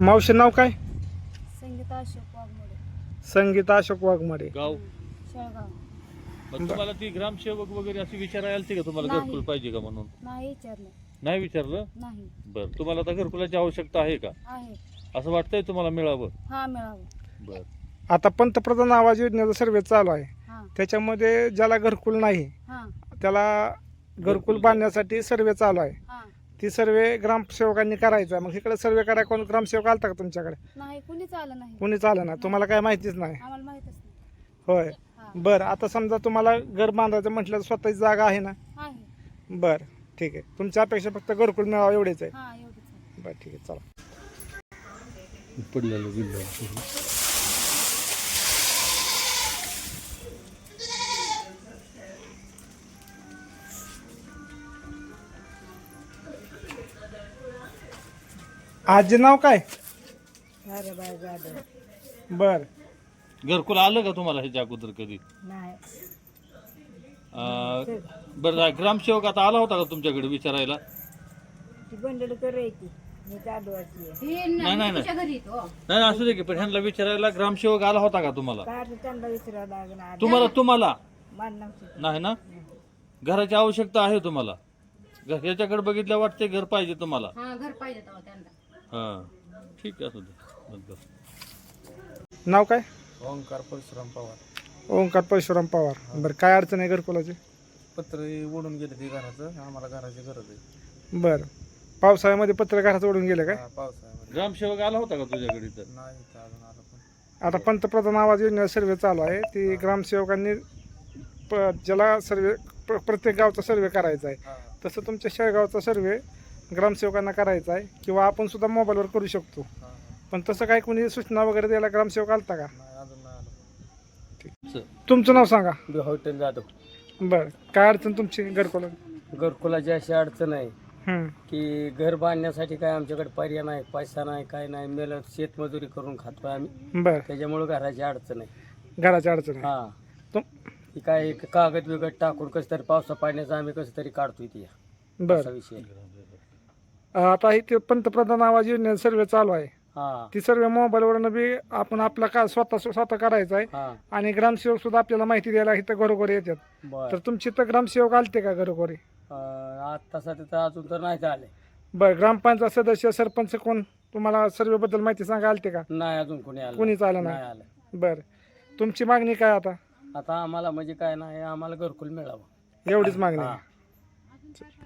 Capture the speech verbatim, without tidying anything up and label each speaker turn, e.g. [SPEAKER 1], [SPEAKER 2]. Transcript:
[SPEAKER 1] मावशी नाव काय?
[SPEAKER 2] संगीता अशोक वाघमोडे.
[SPEAKER 1] संगीता अशोक वाघमारे.
[SPEAKER 3] गाव
[SPEAKER 2] शेळगाव.
[SPEAKER 3] मग तुम्हाला ती ग्रामसेवक वगैरे अशी विचारायला आलती का तुम्हाला
[SPEAKER 2] नाही.
[SPEAKER 3] घरकुल पाहिजे का म्हणून?
[SPEAKER 2] नाही विचारलं.
[SPEAKER 3] नाही विचारलं.
[SPEAKER 2] नाही.
[SPEAKER 3] बर तुम्हाला आता घरकुलाची आवश्यकता आहे का?
[SPEAKER 2] आहे.
[SPEAKER 3] असं वाटतंय तुम्हाला मिळावं?
[SPEAKER 2] हा मिळावं.
[SPEAKER 3] बर
[SPEAKER 1] आता पंतप्रधान आवास योजनेचा सर्वे चालू आहे.
[SPEAKER 2] हा
[SPEAKER 1] त्याच्यामध्ये ज्याला घरकुल नाही
[SPEAKER 2] हा
[SPEAKER 1] त्याला घरकुल बांधण्यासाठी सर्वे चालू आहे.
[SPEAKER 2] हा.
[SPEAKER 1] ती सर्वे ग्रामसेवकांनी करायचा. मग इकडे सर्वे करायला कोण ग्रामसेवक आलता का तुमच्याकडे?
[SPEAKER 2] नाही कुणीच आलं नाही.
[SPEAKER 1] कोणीच आलं ना? तुम्हाला काय माहितीच नाही?
[SPEAKER 2] आम्हाला माहितच नाही.
[SPEAKER 1] होय.
[SPEAKER 2] हा.
[SPEAKER 1] बरं आता समजा तुम्हाला घर बांधायचं म्हटलं तर स्वतःची जागा आहे ना?
[SPEAKER 2] आहे.
[SPEAKER 1] बरं ठीक आहे. तुमच्या अपेक्षा फक्त घरकुल मिळावं एवढेच आहे.
[SPEAKER 2] हा एवढंच आहे.
[SPEAKER 1] बरं ठीक आहे चला.
[SPEAKER 3] पडलेलं बिल
[SPEAKER 1] आजी नाव काय?
[SPEAKER 2] ताराबाई जाधव.
[SPEAKER 1] बर
[SPEAKER 3] घरकुल आलं का तुम्हाला ह्याच्या अगोदर कधी?
[SPEAKER 2] नाही.
[SPEAKER 3] अं, बरं ग्रामसेवक आता आला होता का तुमच्याकडे विचारायला?
[SPEAKER 2] ती बंडल करायची. मी जाधवाची.
[SPEAKER 3] नाही नाही नाही नाही असू दे की, पण ह्यांना विचारायला ग्रामसेवक आला होता का तुम्हाला?
[SPEAKER 2] काय त्यांना विचारावं लागणार.
[SPEAKER 3] तुम्हाला तुम्हाला
[SPEAKER 2] मानणार.
[SPEAKER 3] नाही ना? घराची आवश्यकता आहे तुम्हाला? घर- याच्याकडे बघितलं वाटते घर पाहिजे तुम्हाला?
[SPEAKER 2] हा घर पाहिजे त्यांना.
[SPEAKER 3] हा ठीक आहे असू दे. बरं.
[SPEAKER 1] नाव काय?
[SPEAKER 4] ओंकार परशुराम पवार.
[SPEAKER 1] ओंकार परशुराम पवार. बरं काय अडचण आहे घरकुलाची?
[SPEAKER 4] पत्र ओढून गेले ते घराचं, आम्हाला घराची गरज आहे.
[SPEAKER 1] बरं पावसाळ्यामध्ये पत्र घरात ओढून गेले काय?
[SPEAKER 4] हा, पावसाळ्यामध्ये
[SPEAKER 3] ग्रामसेवक आला होता का तुझ्याकडे इथं?
[SPEAKER 4] नाही इथं अजून आलं पण.
[SPEAKER 1] आता पंतप्रधान आवास योजना सर्वे चालू आहे. ती ग्रामसेवकांनी प ज्याला सर्वे प्र प्रत्येक गावचा सर्वे करायचा आहे.
[SPEAKER 4] हा,
[SPEAKER 1] तसं तुमच्या शेळगावचा सर्वे ग्रामसेवकांना करायचा आहे किंवा आपण सुद्धा मोबाईलवर करू शकतो.
[SPEAKER 4] हा, हा.
[SPEAKER 1] पण तसं काही कोणी सूचना वगैरे द्यायला ग्रामसेवक आलता का?
[SPEAKER 4] नाही अजून नाही आलं.
[SPEAKER 1] तुमचं नाव सांगा.
[SPEAKER 5] हॉटेल जाधव.
[SPEAKER 1] बरं काय अडचण तुमची घरकुला?
[SPEAKER 5] घरकुलाची अशी अडचण आहे
[SPEAKER 1] हं.
[SPEAKER 5] की घर बांधण्यासाठी काय आमच्याकडे पर्याय नाही, पैसा नाही, काय नाही. मेलं शेतमजुरी करून खातोय आम्ही,
[SPEAKER 1] बरं
[SPEAKER 5] त्याच्यामुळे घराची अडचण आहे.
[SPEAKER 1] घराची अडचण आहे.
[SPEAKER 5] हा
[SPEAKER 1] तुम
[SPEAKER 5] ती काय एक कागद बिगद टाकून कसं तरी पावसा पाण्याचं आम्ही कसं तरी काढतोय ती असा
[SPEAKER 1] बरं
[SPEAKER 5] विषय आहे.
[SPEAKER 1] आता इथे पंतप्रधान आवास योजना सर्वे चालू आहे.
[SPEAKER 5] हा
[SPEAKER 1] ती सर्वे मोबाईलवरनं बी आपण आपला का स्वतः स्वतः करायचा आहे.
[SPEAKER 5] हा
[SPEAKER 1] आणि ग्रामसेवक सुद्धा आपल्याला माहिती द्यायला इथं घरोघरी येतात.
[SPEAKER 5] बर
[SPEAKER 1] तर तुमची तर ग्रामसेवक आलते का घरोघरी?
[SPEAKER 5] आता सध्या तर अजून तर नाही आले.
[SPEAKER 1] बरं ग्रामपंचायत सदस्य सरपंच कोण तुम्हाला सर्वेबद्दल माहिती सांगा आलते का?
[SPEAKER 5] नाही अजून कोणी आलं
[SPEAKER 1] कोणीच आलं
[SPEAKER 5] नाही
[SPEAKER 1] नाही.
[SPEAKER 5] आलं.
[SPEAKER 1] बरं तुमची मागणी काय आता?
[SPEAKER 5] आता आम्हाला म्हणजे काय नाही, आम्हाला घरकुल मिळावं
[SPEAKER 1] एवढीच मागणी
[SPEAKER 5] हा.
[SPEAKER 1] आहे.